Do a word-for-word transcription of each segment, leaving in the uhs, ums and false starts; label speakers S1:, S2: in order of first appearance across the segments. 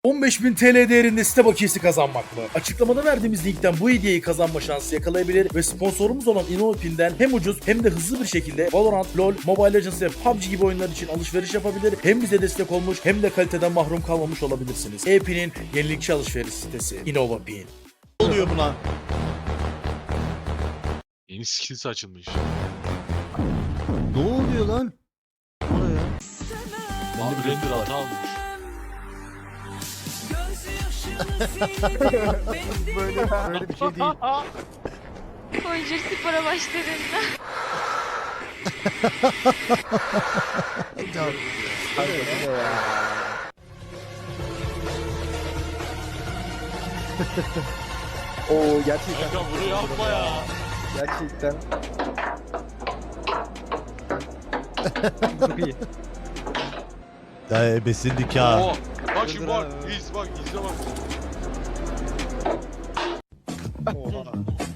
S1: on beş bin T L değerinde site bakiyesi kazanmak mı? Açıklamada verdiğimiz linkten bu hediyeyi kazanma şansı yakalayabilir ve sponsorumuz olan InnoPin'den hem ucuz hem de hızlı bir şekilde Valorant, LoL, Mobile Legends ve P U B G gibi oyunlar için alışveriş yapabilir. Hem bize destek olmuş hem de kaliteden mahrum kalmamış olabilirsiniz. E-Pin'in yenilikçi alışveriş sitesi InnoPin.
S2: Ne oluyor buna?
S3: Yeni skillsi açılmış.
S2: Ne oluyor lan?
S3: Abi render hata almış.
S4: böyle böyle bir şey değil.
S5: Conjure spora başladığında.
S4: Kanka bu ne ya? Oo gerçekten.
S3: Kanka bunu yapma ya.
S4: Gerçekten. Çok iyi.
S2: Ya ebesin nikah.
S3: Oo. Bak şimdi bak. İz bak izle bak.
S4: Oha.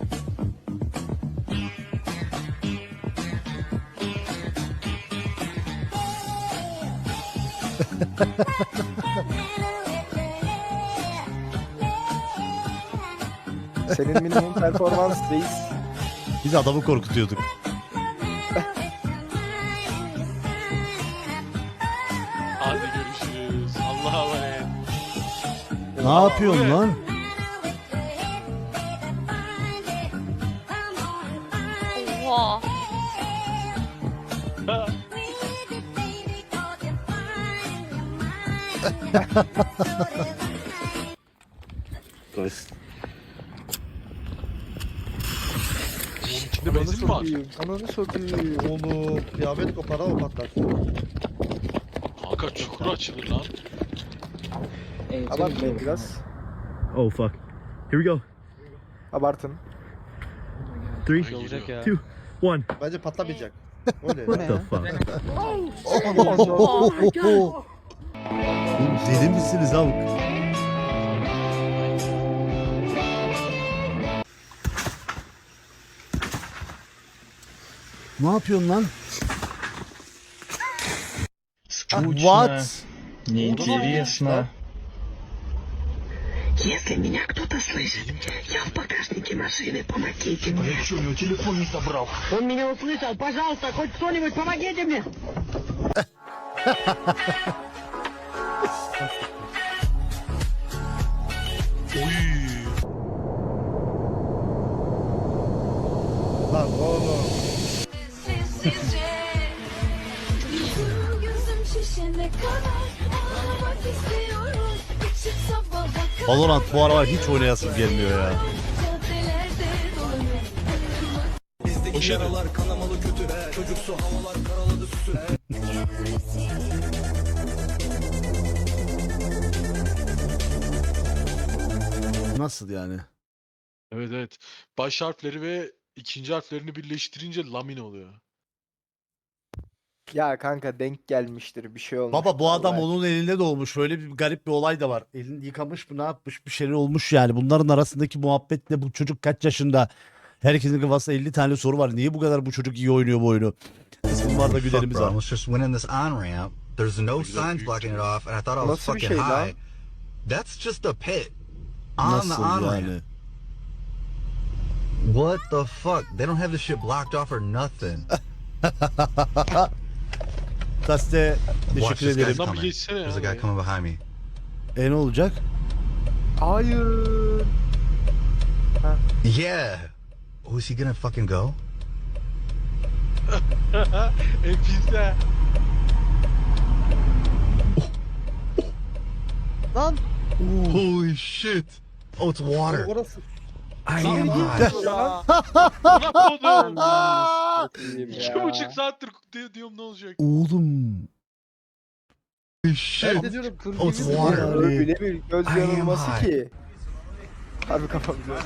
S4: Senin minimum performans reis.
S2: Biz adamı korkutuyorduk.
S3: Hadi görüşürüz. Allah'a emanet.
S2: Ne yapıyorsun lan?
S5: Oha.
S3: Bunun içinde benzin mi var?
S4: sokayım. Ananı sokayım.
S2: Oğlum kıyafet kopar o patlar.
S3: Kanka çukur açılır lan.
S4: Abartmayın biraz.
S6: Oh fuck. Here we go.
S4: Abartın.
S6: Three,
S3: Ay,
S6: olacak
S3: geliyor.
S6: two, one.
S2: Bence patlamayacak. Öyle.
S6: What the fuck?
S2: Oğlum deli misiniz abi? Ne yapıyorsun lan? What?
S7: Неинтересно.
S8: Если меня кто-то слышит, я в багажнике машины, помогите мне.
S7: Я что, у него телефон не забрал?
S8: Он меня услышал, пожалуйста, хоть кто-нибудь помогите мне.
S2: Lan oğlum. Valorant bu aralar hiç oynayasım gelmiyor ya.
S3: Hoş geldin.
S2: Nasıl yani?
S3: Evet evet. Baş harfleri ve ikinci harflerini birleştirince lamin oluyor.
S4: Ya kanka denk gelmiştir bir şey olmuş.
S2: Baba bu adam
S4: Vallahi.
S2: onun elinde doğmuş. Öyle bir garip bir olay da var. Elini yıkamış mı ne yapmış bir şeyler olmuş yani. Bunların arasındaki muhabbet ne? Bu çocuk kaç yaşında? Herkesin kafasında elli tane soru var. Niye bu kadar bu çocuk iyi oynuyor bu oyunu? Bizim var da
S9: Fuck,
S2: gülerimiz
S9: bro. I
S2: var.
S9: was just winning this on ramp. There's no signs blocking it off, and I thought I was
S4: Nasıl bir
S9: fucking
S4: şey lan?
S9: high. That's just a pit on the
S2: Nasıl
S9: on
S2: yani?
S9: ramp. What the fuck? They don't have this shit blocked off or nothing.
S2: Gazete
S9: Watch
S2: teşekkür
S9: this
S2: ederim.
S9: guy's
S3: Lan bir
S9: coming.
S3: geçsene ya
S9: There's a guy
S3: buraya.
S9: coming behind me.
S2: E ne olacak?
S4: Hayır.
S9: Yeah. Oh, is he gonna fucking go?
S3: Enfise.
S4: Lan.
S9: Holy shit. Oh, it's water.
S4: Orası.
S9: I am
S3: Lan
S9: high.
S3: ya. Bırak onu.
S4: Bakayım
S3: İki
S4: ya.
S3: buçuk saattir di- diyorum ne olacak?
S2: Oğlum.
S9: Holy shit.
S4: de diyorum kır
S9: Oh, it's
S4: gibi
S9: water.
S4: ya. Öyle bir göz
S9: I am
S4: yanılması
S9: high.
S4: ki. Harbi kafam güzel.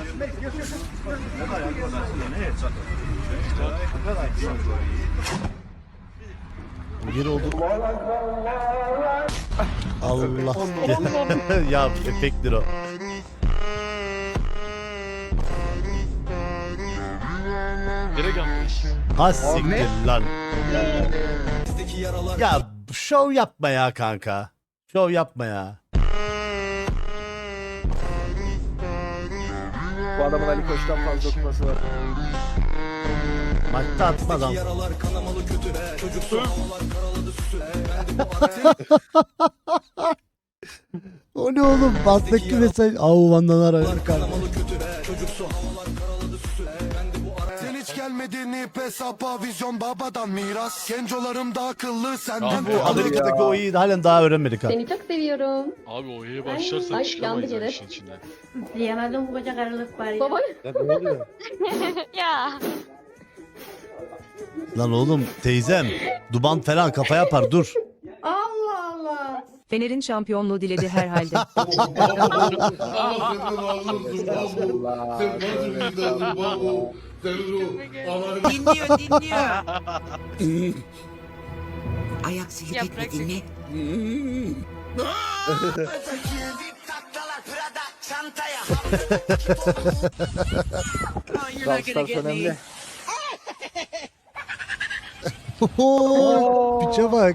S2: Geri oldu. Allah. Ya efekttir o.
S3: Direkt atmış.
S2: Ha siktir lan. Ya şov yapma ya kanka. Şov yapma ya.
S4: adamın Ali Koç'tan fazla tutması var.
S2: Maçta atmadan. O ne oğlum? Bastık mesaj. Au vandan ara.
S10: Sen hiç gelmedin ip hesaba vizyon babadan miras. Gencolarım da akıllı senden.
S2: Bu Amerika'daki o iyi halen daha öğrenmedik ha.
S11: Seni çok seviyorum.
S3: Abi O'ya
S11: Ay,
S3: başlarsan
S11: ay,
S3: çıkamayız
S11: yandı
S3: o
S11: gene.
S3: işin içinden.
S11: Diyemedim bu koca karılık var ya. Baba.
S5: Ya.
S2: Lan oğlum teyzem. Duman falan kafa yapar dur.
S11: Allah Allah.
S12: Fener'in şampiyonluğu diledi herhalde.
S8: Dinliyor dinliyor. Ayak seni
S5: Yaprak
S8: tekme dinle.
S4: Rastars önemli.
S2: Piçe bak.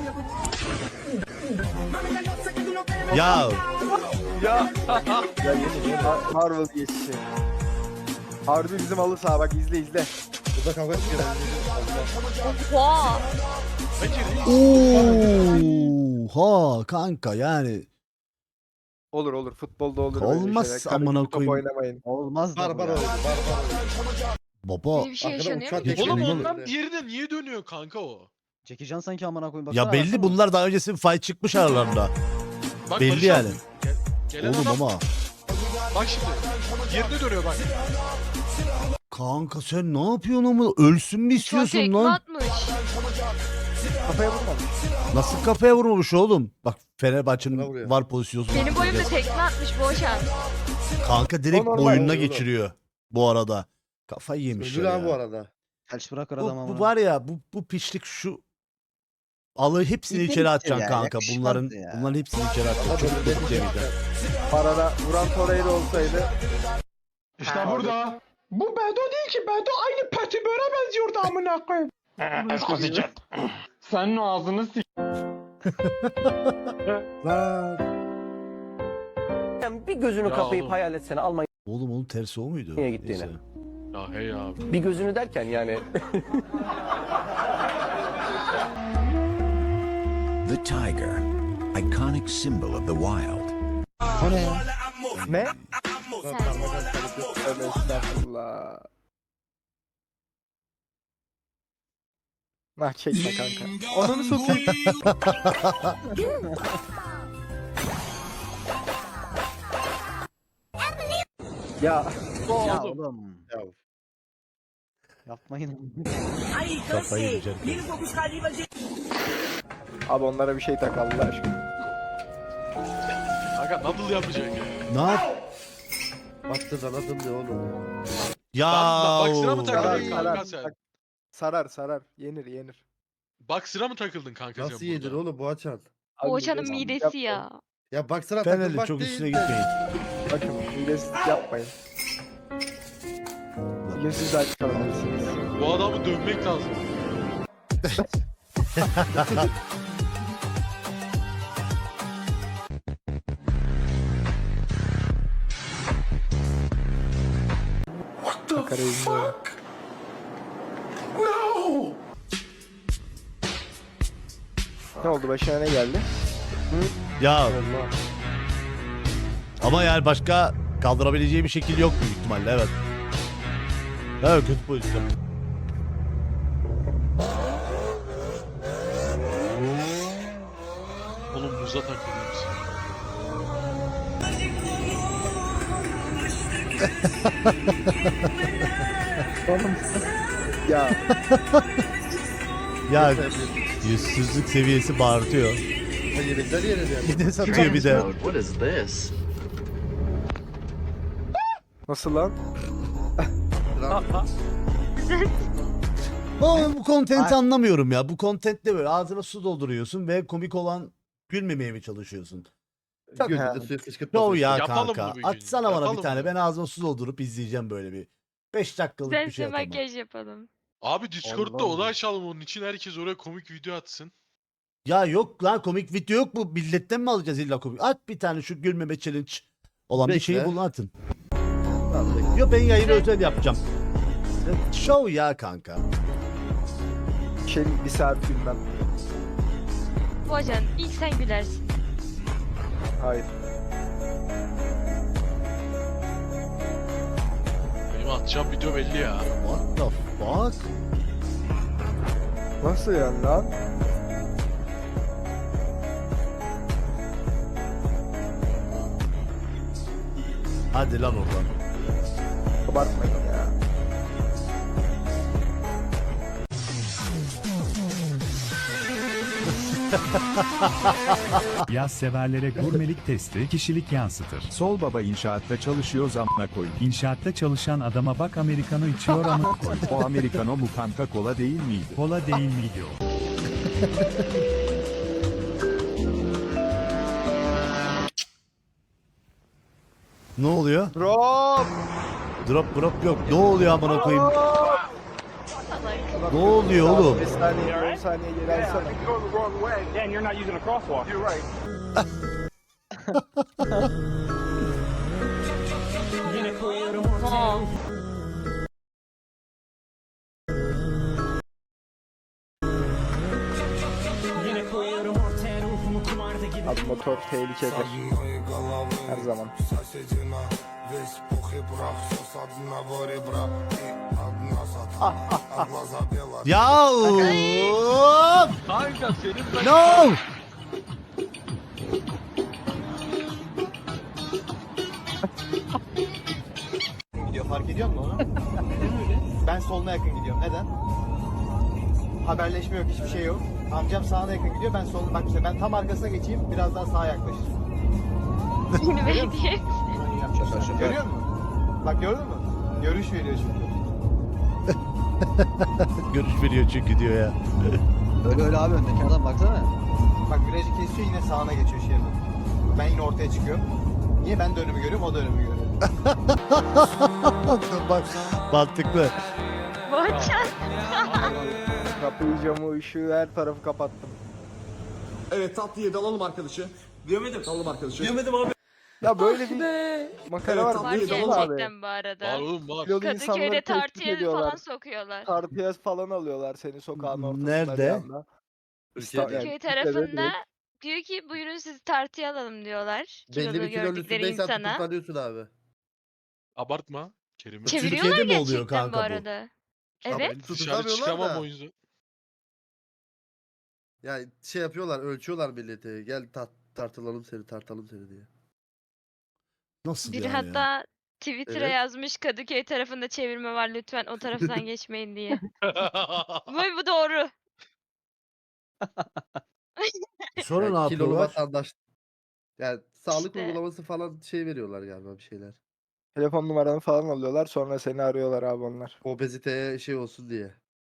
S2: Ya
S4: Ya. Ya yemin ederim Marvel geçişi. Harbi bizim halı saha bak izle izle.
S1: Burada kavga çıkıyor.
S5: Oha.
S2: oha kanka yani
S4: Olur olur futbolda olur. böyle
S2: Olmaz
S4: şeyler. Karı
S2: amına
S4: gibi top
S2: koyayım.
S4: oynamayın.
S2: olmaz
S1: Bar bar oydu. Bar bar.
S2: baba.
S5: Böyle bir şey
S1: Arkadan
S5: yaşanıyor
S1: uçak
S5: mu?
S1: geçiyor.
S3: Oğlum
S1: Geçelim.
S3: ondan diğerine niye dönüyor kanka o?
S4: Çekeceksin sanki amına koyayım.
S2: Ya belli bunlar daha öncesi bir fight çıkmış aralarında.
S3: Bak,
S2: Belli
S3: Barış
S2: yani.
S3: abi, Gel, gelen
S2: Oğlum
S3: adam,
S2: ama
S3: bak şimdi. Diğerine dönüyor bak.
S2: kanka sen ne yapıyorsun ama ölsün mü
S5: Çok
S2: istiyorsun
S5: tekme
S2: lan?
S5: atmış.
S4: Kafaya vurmamış.
S2: Nasıl kafaya vurmamış oğlum? Bak
S1: Buna
S2: Fenerbahçe'nin
S1: vuruyor.
S2: var pozisyonu.
S5: Benim boyumda tekme atmış Boğaçan.
S2: Kanka direkt
S4: O normal,
S2: boynuna
S1: o normal.
S2: geçiriyor bu arada. Kafayı yemiş
S1: Öldü
S2: ya.
S1: lan bu arada.
S4: Felç bırakır
S2: Bu, bu var ya bu bu piçlik şu alı hepsini
S4: İyi
S2: içeri
S4: değil
S2: atacaksın
S4: ya,
S2: kanka.
S4: yakışmaz
S2: Bunların
S4: ya.
S2: bunların hepsini içeri atacaksın. Çocuk çocuk demeyeceksin.
S4: Parada vuran Torreira olsaydı.
S10: İşte burada. Bu Bedo değil ki. Bedo aynı Petibör'e benziyordu amına koyayım. Eskozicek. Senin ağzını s***.
S4: Bir gözünü
S3: Ya kapayıp oğlum.
S4: hayal etsene Almanya'ya
S2: Oğlum onun tersi o muydu?
S4: gittiğini.
S2: Neyse.
S3: Ya hey abi.
S4: bir gözünü derken yani.
S10: The tiger. Iconic symbol of the wild.
S4: Ne?
S5: Sen.
S4: Tövbe estağfurullah. Nah çekme kanka. Onu mu sokayım? ya.
S3: Ya
S4: oğlum.
S1: Ya.
S4: Yapmayın.
S2: Kafayı yiyeceksin.
S4: Abi onlara bir şey tak Allah aşkına.
S3: Kanka double yapacak ya.
S2: Ne yap?
S1: Baktı zanadım diyor oğlum.
S2: Ya.
S3: Bak, bak sıra mı
S4: Sarar
S3: takıldın kanka
S4: sarar.
S3: sen?
S4: Bak, Sarar sarar. Yenir yenir.
S3: Bak sıra mı takıldın kanka sen
S1: Nasıl yedir
S3: burada?
S1: oğlum bu açan?
S4: Abi
S5: Boğaçan'ın
S4: midesiz
S5: midesi
S4: yapmayın.
S5: ya.
S1: Ya baksana
S2: Fener'le
S1: takılmak
S2: çok
S1: değil
S2: üstüne
S1: de.
S2: gitmeyin.
S4: Bakın midesiz yapmayın. Bugün siz de aç kalabilirsiniz.
S3: Bu adamı dövmek lazım.
S4: Makarayı izliyorum. Ne oldu başına ne geldi?
S2: Ya
S4: Allah.
S2: ama yani başka kaldırabileceği bir şekil yok büyük ihtimalle evet. Evet kötü pozisyon.
S3: Oğlum muza takılıyorsun.
S4: Ya
S2: Ya yüzsüzlük seviyesi bağırtıyor.
S1: Ha, yemekler yenir yani.
S2: Bir de satıyor bir de.
S7: What is this?
S4: nasıl lan?
S2: Ama bu kontenti anlamıyorum ya. Bu kontentte böyle ağzına su dolduruyorsun ve komik olan gülmemeye mi çalışıyorsun?
S4: Çok
S1: Güldü
S4: ha.
S1: de suya fışkırtmasın.
S2: Yo ya
S3: Yapalım
S2: kanka.
S3: bunu bir gün.
S2: Atsana bana
S3: Yapalım
S2: bir tane.
S3: bunu.
S2: Ben ağzıma su doldurup izleyeceğim böyle bir. beş dakikalık
S5: Sen
S2: bir şey atamam.
S5: makyaj yapalım.
S3: Abi Discord'da
S4: Allah
S3: oda
S4: Allah.
S3: açalım onun için herkes oraya komik video atsın.
S2: Ya yok lan komik video yok mu? Milletten mi alacağız illa komik? At bir tane şu gülmeme challenge olan bir şeyi
S1: Bekle.
S2: bulun atın. Yo ben yayını özel yapacağım. Show ya kanka.
S4: Şey bir saat gülmem.
S5: Boğaçan ilk sen gülersin.
S4: Hayır.
S3: Benim atacağım video belli ya.
S2: What the fuck?
S4: Nasıl yani lan?
S2: Hadi lan oradan.
S4: Abartmayın ya.
S13: Yaz severlere gurmelik testi kişilik yansıtır. Sol baba inşaatta çalışıyor zamına koy. İnşaatta çalışan adama bak Amerikano içiyor ama koy. O Amerikano mu kanka kola değil miydi? Kola değil miydi o?
S2: Ne oluyor?
S4: Drop!
S2: Drop drop yok. Ne oluyor amına koyayım? Ne oluyor oğlum?
S4: beş saniye, on saniye geri alsana.
S5: Wow.
S4: Abi motor tehlikedir. Her zaman.
S2: Ya
S3: Kanka senin ben...
S2: no!
S14: Gidiyor fark ediyor musun onu? Ben soluna yakın gidiyorum. Neden? Haberleşme yok, hiçbir şey yok. Amcam sağına yakın gidiyor, ben soluna. Bak işte ben tam arkasına geçeyim, biraz daha sağa yaklaşır.
S5: Yeni belediye.
S14: Görüyor musun? Bak gördün mü? Görüş veriyor çünkü.
S2: Görüş veriyor çünkü diyor ya.
S14: Öyle öyle abi öndeki adam baksana. Bak virajı kesiyor yine sağına geçiyor şeriden. Ben yine ortaya çıkıyorum. Niye ben de önümü görüyorum, o da önümü görüyor.
S2: Bak mantıklı.
S5: Boğaçan.
S4: Kapıyı, camı, ışığı, her tarafı kapattım.
S10: Evet tatlıyı dalalım arkadaşı. Diyemedim. Dalalım arkadaşı. Diyemedim abi.
S4: Ya böyle bir makara var.
S5: Var
S4: Değil mi abi?
S5: gerçekten bu arada.
S3: Var oğlum var.
S4: Kilolu
S5: Kadıköy'de
S4: insanları tehdit
S5: tartıya
S4: ediyorlar.
S5: falan sokuyorlar.
S4: Tartıya falan alıyorlar seni sokağın ortasında.
S2: Nerede?
S4: bir anda.
S3: Türkiye'de.
S4: Yani
S5: Köy
S4: Türkiye'de
S5: tarafında
S4: direkt.
S5: diyor ki buyurun sizi tartıya alalım diyorlar.
S14: Belli
S5: Kilolu
S14: bir kilonun
S5: gördükleri
S14: üstündeysen
S5: insana.
S14: tutuklanıyorsun abi.
S3: Abartma. Kerim'i.
S5: Çeviriyorlar
S2: Türkiye'de mi oluyor
S5: gerçekten
S2: kanka
S5: bu
S2: bu?
S5: arada.
S3: Ama
S5: Evet.
S3: ben dışarı
S14: Tutuklamıyorlar
S3: çıkamam
S14: da.
S3: o yüzden.
S14: Ya şey yapıyorlar, ölçüyorlar milleti. Gel tar tartılalım seni, tartalım seni diye.
S2: Nasıl
S5: Biri
S2: yani ya?
S5: hatta Twitter'a
S14: Evet.
S5: yazmış Kadıköy tarafında çevirme var lütfen o taraftan geçmeyin diye. bu, bu doğru.
S2: Sonra ne
S14: Yani kilolu
S2: yapıyorlar?
S14: vatandaş. Yani sağlık
S5: İşte.
S14: uygulaması falan şey veriyorlar galiba bir şeyler.
S4: Telefon numaranı falan alıyorlar sonra seni arıyorlar abi onlar.
S14: Obeziteye şey olsun diye.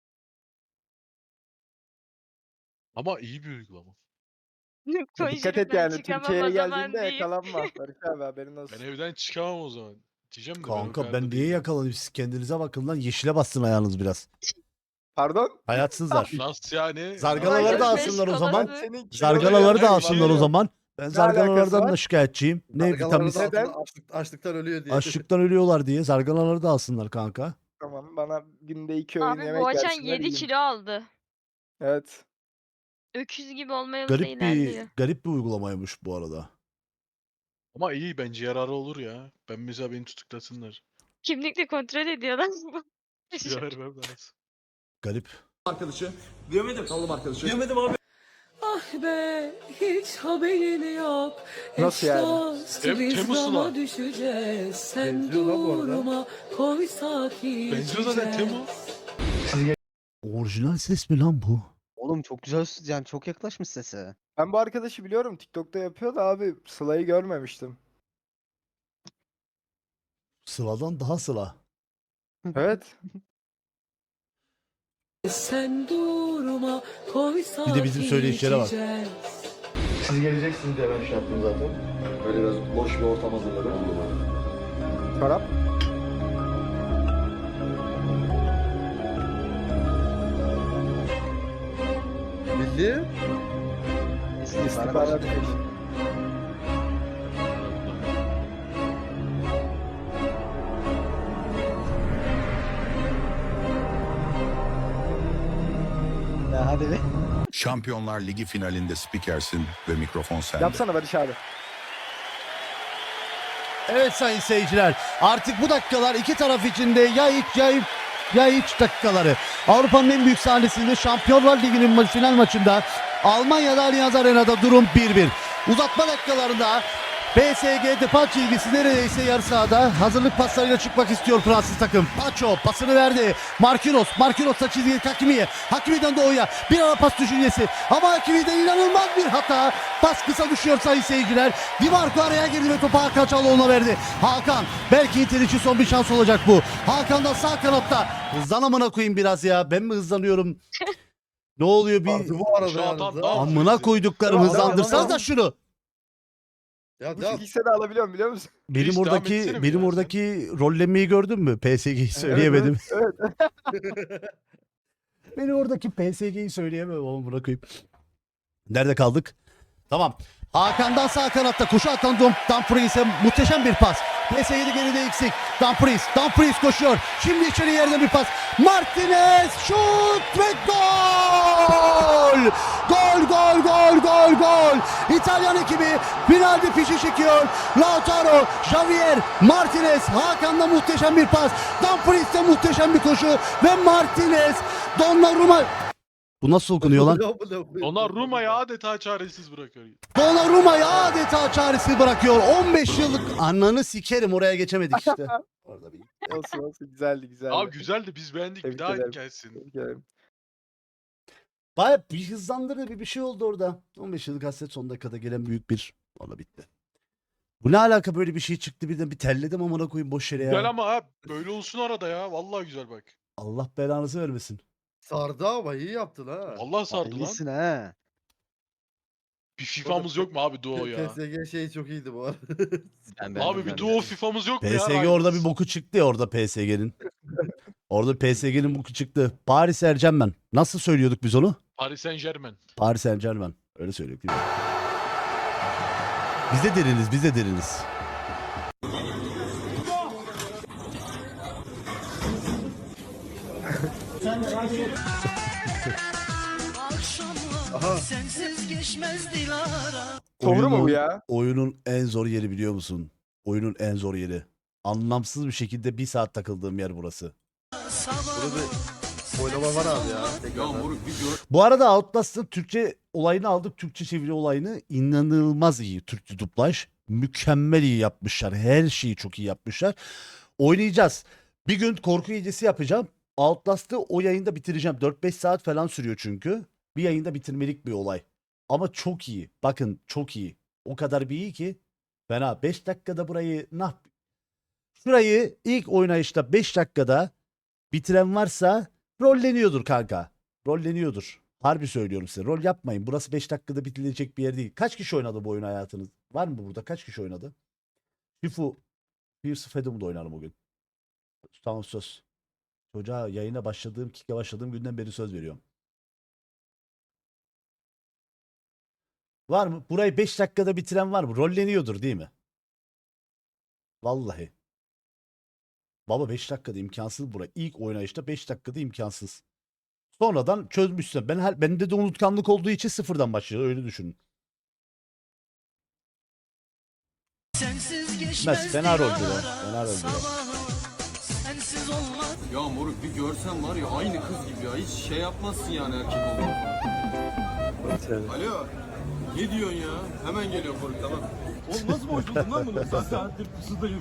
S3: Ama iyi bir uygulama.
S4: Ya dikkat
S5: Konuşurum
S4: et
S5: ben
S4: yani
S5: çıkamam
S4: Türkiye'ye
S5: o zaman
S4: geldiğinde
S5: deyip.
S4: yakalanma. Barış abi haberin olsun.
S3: Ben evden çıkamam o zaman. Diyeceğim de ben o
S2: Kanka
S3: kadar
S2: ben
S3: da
S2: niye
S3: değilim.
S2: yakalanayım? Siz kendinize bakın lan. Yeşile bastın ayağınız biraz.
S4: Pardon?
S2: Hayatsızlar.
S3: Nasıl yani?
S2: Zarganaları da
S5: Beş
S2: alsınlar o zaman.
S5: kolalı.
S4: Senin kilolu
S2: Zarganaları da
S4: yani,
S2: alsınlar o
S4: var ya.
S2: zaman. Ben
S4: alakası
S2: zarganalardan
S4: var?
S2: da şikayetçiyim. Ne
S14: Zarganaları
S2: vitamin
S14: da
S4: Neden?
S14: altında açlık- açlıktan ölüyor diye.
S2: açlıktan ölüyorlar diye zarganaları da alsınlar kanka.
S4: Tamam bana günde iki öğün
S5: Abi
S4: yemek
S5: Boğaçan
S4: versinler
S5: yedi
S4: yiyeyim.
S5: kilo aldı.
S4: Evet.
S5: Öküz gibi olma yolunda
S2: Garip
S5: ilerliyor.
S2: bir garip bir uygulamaymış bu arada.
S3: Ama iyi bence yararı olur ya. Ben mesela beni tutuklasınlar.
S5: Kimlikle kontrol ediyorlar.
S3: Kilo vermem lazım.
S2: Garip.
S10: Arkadaşı. Diyemedim. Dalalım arkadaşı. Diyemedim abi.
S11: Ah be hiç haberin yok.
S4: Nasıl yani?
S3: Tem- Temmuz'la.
S11: düşeceğiz. Sen
S14: Benziyor lan bu arada.
S11: durma koy sakin.
S3: Benziyor zaten Temu.
S2: Orijinal ses mi lan bu?
S14: Oğlum çok güzel yani çok yaklaşmış sese.
S4: Ben bu arkadaşı biliyorum TikTok'ta yapıyor da abi Sıla'yı görmemiştim.
S2: Sıla'dan daha Sıla.
S4: Evet.
S11: Sen durma koy sakin.
S2: Bir de bizim söyleyişlere bak.
S11: içeceğiz.
S14: Siz geleceksiniz diye ben şey yaptım zaten. Böyle biraz boş bir ortam hazırladım.
S4: Çorap.
S14: Bildi.
S4: İstihbarat değil.
S14: Hadi be.
S15: Şampiyonlar Ligi finalinde spikersin ve mikrofon sende.
S4: Yapsana Barış abi.
S2: Evet sayın seyirciler, artık bu dakikalar iki taraf için de ya iç ya iç, ya iç dakikaları. Avrupa'nın en büyük sahnesinde Şampiyonlar Ligi'nin ma- final maçında Almanya'da Allianz Arena'da durum bir bir. Uzatma dakikalarında P S G Depay çizgisi neredeyse yarı sahada. Hazırlık paslarıyla çıkmak istiyor Fransız takım. Pacho pasını verdi. Marquinhos. Marquinhos'la çizgiye Hakimi'ye. Hakimi'den Doğu'ya. Bir ara pas düşüncesi. Ama Hakimi'den inanılmaz bir hata. Pas kısa düşüyor sayın seyirciler. Di Marco araya girdi ve topu Hakan Çalhanoğlu'na verdi. Hakan. Belki Inter için son bir şans olacak bu. Hakan da sağ kanatta. Hızlan amına koyayım biraz ya. Ben mi hızlanıyorum? Ne oluyor bir...
S1: Bu arada
S3: Şu
S1: yalnız
S3: atan
S1: ha.
S3: daha-
S2: Amına koyduklarım,
S1: Devam,
S2: hızlandırsanız
S1: devam,
S2: da
S1: devam.
S2: şunu.
S1: Ya
S4: Bu
S1: devam.
S4: ikisini de alabiliyorum biliyor musun?
S2: Benim
S3: Reis, devam
S2: oradaki
S3: etsene bir
S2: benim
S3: ya
S2: oradaki rollenmeyi gördün mü? P S G'yi söyleyemedim.
S4: Evet.
S2: Benim oradaki P S G'yi söyleyemem oğlum, bırakayım. Nerede kaldık? Tamam. Hakan'dan sağ kanatta koşu atan Dom Dumfries'e muhteşem bir pas. P S G'de geride eksik. Dumfries, Dumfries koşuyor. Şimdi içeri yerden bir pas. Martinez şut ve gol! Gol, gol, gol, gol, gol! İtalyan ekibi finalde fişi çekiyor. Lautaro, Javier, Martinez, Hakan'da muhteşem bir pas. Dumfries'te muhteşem bir koşu ve Martinez, Donnarumma. Bu nasıl okunuyor lan?
S3: Donnarumma'yı adeta çaresiz bırakıyor.
S2: Donnarumma'yı adeta çaresiz bırakıyor. on beş yıllık ananı sikerim, oraya geçemedik işte. Orada bir...
S4: Olsun olsun güzeldi güzeldi.
S3: Abi güzeldi, biz beğendik,
S4: Tebrik
S3: bir daha
S4: ederim.
S3: gelsin.
S4: Tebrik ederim.
S2: Baya bir hızlandırdı, bir bir şey oldu orada. on beş yıllık hasret son dakikada gelen büyük bir... Valla bitti. Bu ne alaka, böyle bir şey çıktı birden, bir terledim amına koyayım boş yere ya.
S3: Güzel ama ha, böyle olsun arada ya. Vallahi güzel bak.
S2: Allah belanızı vermesin.
S1: Sardı ama iyi yaptın ha.
S3: Vallahi sardı lan.
S4: İyisin ha.
S3: Bir FIFA'mız yok mu abi duo ya?
S1: P S G şey çok iyiydi bu arada.
S3: Abi bir duo FIFA'mız yok mu ya?
S2: P S G orada bir boku çıktı ya, orada P S G'nin. Orada P S G'nin boku çıktı. Paris Saint-Germain. Nasıl söylüyorduk biz onu?
S3: Paris Saint Germain.
S2: Paris Saint-Germain. Öyle söylüyorduk değil mi? Biz de deriniz, biz de deriniz.
S1: Aha.
S4: Doğru mu bu
S2: Oyunun-
S4: ya?
S2: Oyunun en zor yeri biliyor musun? Oyunun en zor yeri. Anlamsız bir şekilde bir saat takıldığım yer burası.
S1: Burada bir oynama var abi ya. Tekrardan.
S2: Bu arada Outlast'ın Türkçe olayını aldık. Türkçe çeviri olayını inanılmaz iyi. Türkçe dublaj. Mükemmel iyi yapmışlar. Her şeyi çok iyi yapmışlar. Oynayacağız. Bir gün korku gecesi yapacağım. Outlast'ı o yayında bitireceğim. dört beş saat falan sürüyor çünkü. Bir yayında bitirmelik bir olay. Ama çok iyi. Bakın çok iyi. O kadar bir iyi ki. Fena. beş dakikada burayı ne yap? Şurayı ilk oynayışta beş dakikada bitiren varsa rolleniyordur kanka. Rolleniyordur. Harbi söylüyorum size. Rol yapmayın. Burası beş dakikada bitirilecek bir yer değil. Kaç kişi oynadı bu oyunu hayatınız? Var mı burada? Kaç kişi oynadı? Shifu. Pierce Fedum'da oynarım bugün. Tamam söz. Çocuğa yayına başladığım, kike başladığım günden beri söz veriyorum. Var mı? Burayı beş dakikada bitiren var mı? Rolleniyordur değil mi? Vallahi. Baba beş dakikada imkansız bura. İlk oynayışta beş dakikada imkansız. Sonradan çözmüşsün. Ben her, bende de unutkanlık olduğu için sıfırdan başlıyor. Öyle düşünün. Mes fena rol diyor. Fena rol diyor.
S16: Ya moruk bir görsen var ya aynı kız gibi ya. Hiç şey yapmazsın yani erkek olduğunu. Alo. Ne diyorsun ya? Hemen geliyor moruk tamam. Oğlum nasıl boşuldun lan bunu? Sen saattir pusudayım.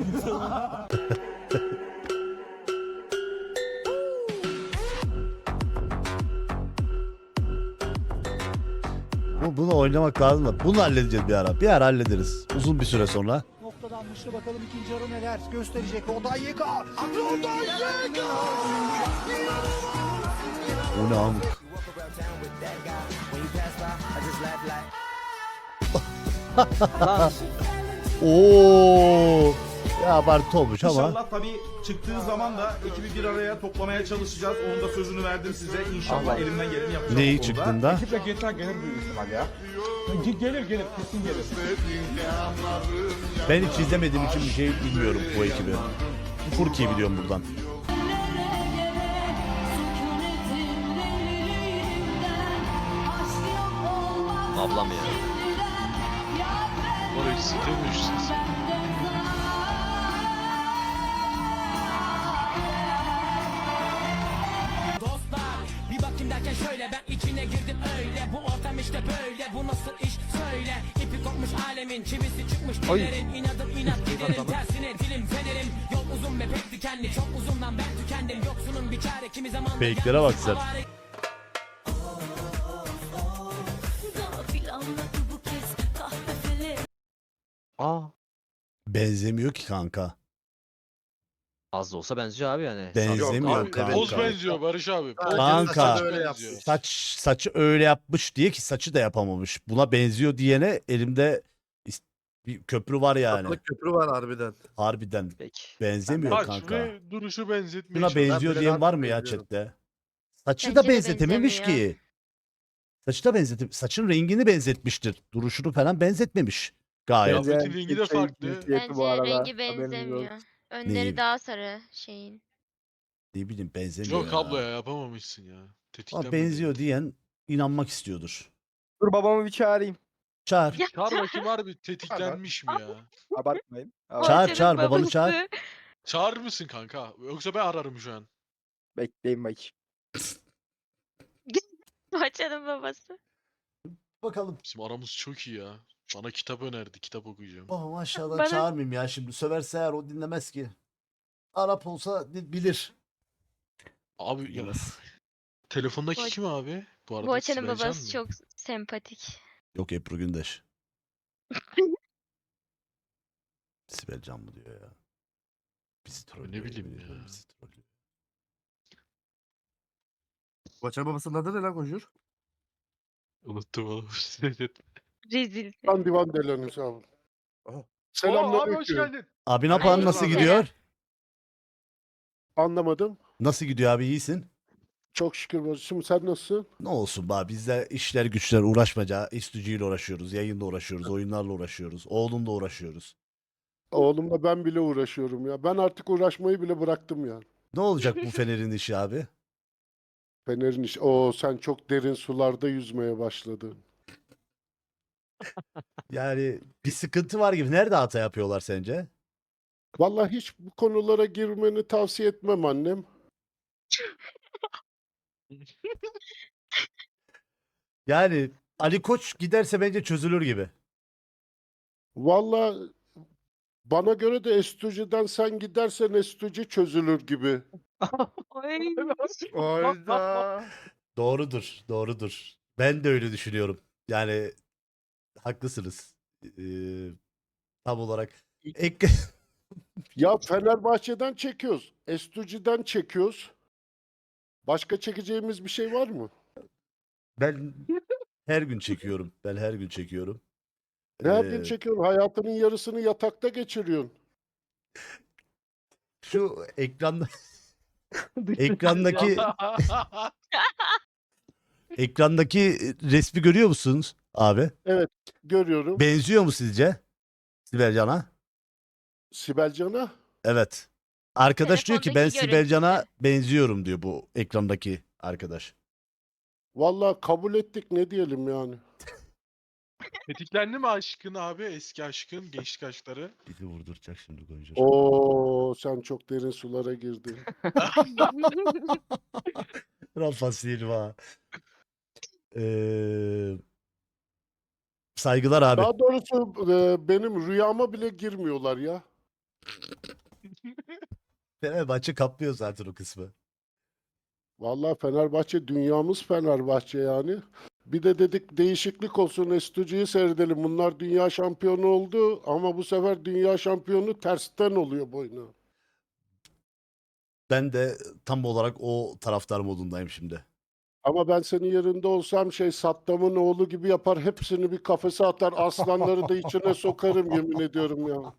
S2: Bu, bunu oynamak lazım da. Bunu halledeceğiz bir ara. Bir ara hallederiz. Uzun bir süre sonra.
S14: Noktadan dışlı bakalım ikinci yarı neler gösterecek. Odayeka. Odayeka.
S2: O ne amk? Oo. Ya abartı olmuş ama.
S17: İnşallah tabii çıktığı zaman da ekibi bir araya toplamaya çalışacağız. Onun da sözünü verdim size. İnşallah elimden geleni yapacağım.
S2: Neyi
S17: bu konuda.
S2: çıktığında?
S10: Ekiple geçen gelir büyük ihtimal ya. Gelir gelir kesin gelir.
S2: Ben hiç izlemediğim için bir şey bilmiyorum bu ekibi. Furki'yi biliyorum buradan.
S18: Ablam ya.
S3: Var ya sitemişsiniz.
S11: Bir bakayım derken şöyle ben içine girdim öyle. Bu ortam işte böyle, bu nasıl iş söyle. İpi kopmuş alemin, çivisi çıkmış dillerin. İnadım inat giderim tersine dilim fenerim. Yol uzun ve pek dikenli, çok uzundan ben tükendim. Yoksunun bir çare kimi zaman da
S2: Fake'lere bak sen.
S18: Aa.
S2: Benzemiyor ki kanka.
S18: Az da olsa benziyor abi yani.
S2: Benzemiyor
S3: Abi,
S2: kanka.
S3: Poz benziyor Barış abi. Poz
S2: Kanka.
S3: saç
S2: Öyle
S3: benziyor.
S2: Saç saçı öyle yapmış diye ki saçı da yapamamış. Buna benziyor diyene elimde is- bir köprü var yani.
S16: Tatlı köprü var harbiden.
S2: Harbiden
S18: Peki.
S2: benzemiyor
S3: Saç
S2: kanka.
S3: ve duruşu benzetmeye
S2: Buna
S3: çalışıyor.
S2: benziyor
S16: bile
S2: diyen
S16: daha
S2: var
S16: çok
S2: mı ya
S16: benziyorum.
S2: chatte? Saçı
S5: Bence
S2: da
S5: de
S2: benzetememiş
S5: benzemiyor.
S2: ki. Saçı da benzetim. Saçın rengini benzetmiştir. Duruşunu falan benzetmemiş. Gayet.
S3: Kıyafetin rengi de
S4: Şey,
S3: farklı.
S4: cinsiyeti
S5: Bence
S4: bu arada,
S5: rengi
S4: haberiniz
S5: benzemiyor.
S4: olsun.
S5: Önleri
S2: Neyin?
S5: daha sarı şeyin.
S2: Ne bileyim benzemiyor
S3: Yok
S2: ya.
S3: abla ya yapamamışsın ya.
S2: Ama
S3: Tetiklenmedi.
S2: benziyor diyen inanmak istiyordur.
S4: Dur babamı bir çağırayım.
S2: Çağır.
S3: Çağır bakayım harbi tetiklenmiş mi ya?
S4: Abartmayın.
S2: Çağır
S5: Boğaçan'ın
S2: çağır babanı
S5: babası.
S2: çağır.
S3: Çağırır mısın kanka? Yoksa ben ararım şu an.
S4: Bekleyin bakayım.
S5: Boğaçan'ın babası.
S2: Bakalım.
S3: Bizim aramız çok iyi ya. Bana kitap önerdi. Kitap okuyacağım.
S2: Oh maşallah
S5: Bana-
S2: çağırmayayım ya şimdi. Söverse eğer o dinlemez ki. Arap olsa di- bilir.
S3: Abi ya.
S2: Bilemez.
S3: Telefondaki
S5: Boğaç-
S3: kim abi? Bu arada
S5: Boğaçan'ın
S3: Sibel Can
S5: babası
S3: mı?
S5: çok sempatik.
S2: Yok Ebru Gündeş. Sibel Can mı diyor ya. Bizi trollüyor.
S3: bileyim
S2: yemin ediyorum,
S3: ya.
S2: bizi trollüyor.
S16: Baçar babasının adı ne lan Konjur?
S3: Unuttum oğlum.
S5: Rezil.
S19: Ben divan delanı sağ olun.
S3: Oo, abi hoş
S19: Selamünaleyküm.
S3: geldin.
S2: Abi ne yapalım nasıl
S5: Aleyküm
S2: gidiyor?
S19: Anlamadım.
S2: Nasıl gidiyor abi iyisin?
S19: Çok şükür bacım. Sen nasılsın?
S2: Ne olsun be abi, bizde işler güçler uğraşmaca. İstücüyle uğraşıyoruz, yayınla uğraşıyoruz, oyunlarla uğraşıyoruz, oğlumla uğraşıyoruz.
S19: Oğlumla ben bile uğraşıyorum ya. Ben artık uğraşmayı bile bıraktım ya.
S2: Ne olacak bu Fener'in işi abi?
S19: Fener'in iş. Oo sen çok derin sularda yüzmeye başladın.
S2: Yani bir sıkıntı var gibi. Nerede hata yapıyorlar sence?
S19: Vallahi hiç bu konulara girmeni tavsiye etmem annem.
S2: Yani Ali Koç giderse bence çözülür gibi.
S19: Vallahi bana göre de Estuji'den sen gidersen Estuji çözülür gibi.
S16: Oyda.
S2: Doğrudur, doğrudur. Ben de öyle düşünüyorum. Yani haklısınız. Ee, tam olarak. Ek...
S19: Ya Fenerbahçe'den çekiyoruz. Estuji'den çekiyoruz. Başka çekeceğimiz bir şey var mı?
S2: Ben her gün çekiyorum. Ben her gün çekiyorum.
S19: Her
S2: Ee,
S19: gün çekiyorsun. Hayatının yarısını yatakta geçiriyorsun.
S2: Şu ekranda ekrandaki ekrandaki resmi görüyor musunuz abi?
S19: Evet, görüyorum.
S2: Benziyor mu sizce Sibel Can'a?
S19: Sibel Can'a?
S2: Evet. Arkadaş diyor ki ben
S5: Telefondaki
S2: Sibel Can'a
S5: görüntüsü.
S2: benziyorum diyor bu ekrandaki arkadaş.
S19: Vallahi kabul ettik, ne diyelim yani.
S3: Tetiklendi mi aşkın abi? Eski aşkın, gençlik aşkları.
S2: Bizi vurduracak şimdi Gonca.
S19: Oo sen çok derin sulara girdin.
S2: Rafa Silva. Ee, saygılar abi.
S19: Daha doğrusu e, benim rüyama bile girmiyorlar ya.
S2: Fenerbahçe kaplıyor zaten o kısmı.
S19: Vallahi Fenerbahçe dünyamız Fenerbahçe yani. Bir de dedik değişiklik olsun, Estuji'yi seyredelim. Bunlar dünya şampiyonu oldu ama bu sefer dünya şampiyonu tersten oluyor boyuna.
S2: Ben de tam olarak o taraftar modundayım şimdi.
S19: Ama ben senin yerinde olsam şey Saddam'ın oğlu gibi yapar, hepsini bir kafese atar, aslanları da içine sokarım yemin ediyorum ya.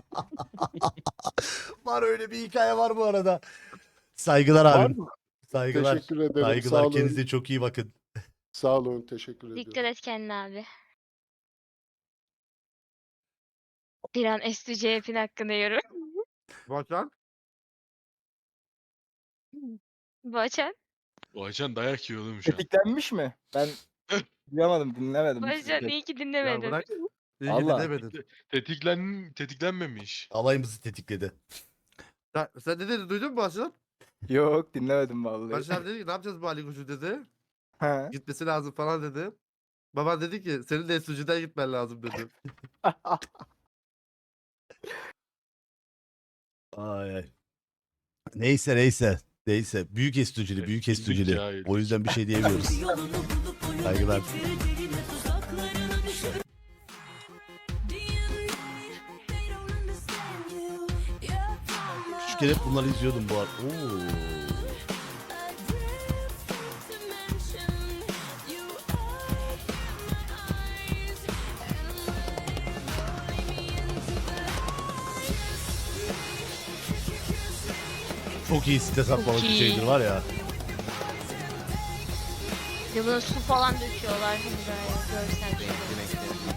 S2: Var öyle bir hikaye var bu arada. Saygılar
S19: Var
S2: abim.
S19: mı?
S2: Saygılar.
S19: Teşekkür ederim. Sağ
S2: Saygılar.
S19: olun.
S2: Kendinize çok iyi bakın.
S19: Sağ olun, teşekkür ediyorum.
S5: Dikkat et kendine abi. Bir an S D C F'in hakkında yorum.
S16: Baçar.
S5: Boğaçan.
S3: O ajan dayak yiyor oğlum şu an.
S4: Tetiklenmiş mi? Ben Duyamadım, dinlemedim.
S5: Barışcan iyi ki dinlemedin.
S2: bırak. İyi
S4: Allah.
S2: demedin.
S3: Tetiklen, tetiklenmemiş.
S2: Alayımızı tetikledi.
S20: Sen, sen ne dedin duydun mu Başar?
S4: Yok dinlemedim vallahi.
S20: Başar dedi ki ne yapacağız bu Ali Koç'u dedi.
S4: He.
S20: Gitmesi lazım falan dedi. Baban dedi ki senin de Estucu'dan gitmen lazım dedi.
S2: Ay ay. Neyse neyse. Neyse. Büyük estücülü, büyük estücülü.
S3: cahil.
S2: O yüzden bir şey diyemiyoruz. Saygılar. Küçükken hep bunları izliyordum bu arada. Oo. Çok iyi site satmalık bir
S5: iyi.
S2: şeydir var ya.
S5: Ya buna su falan döküyorlar. Hani böyle görsel.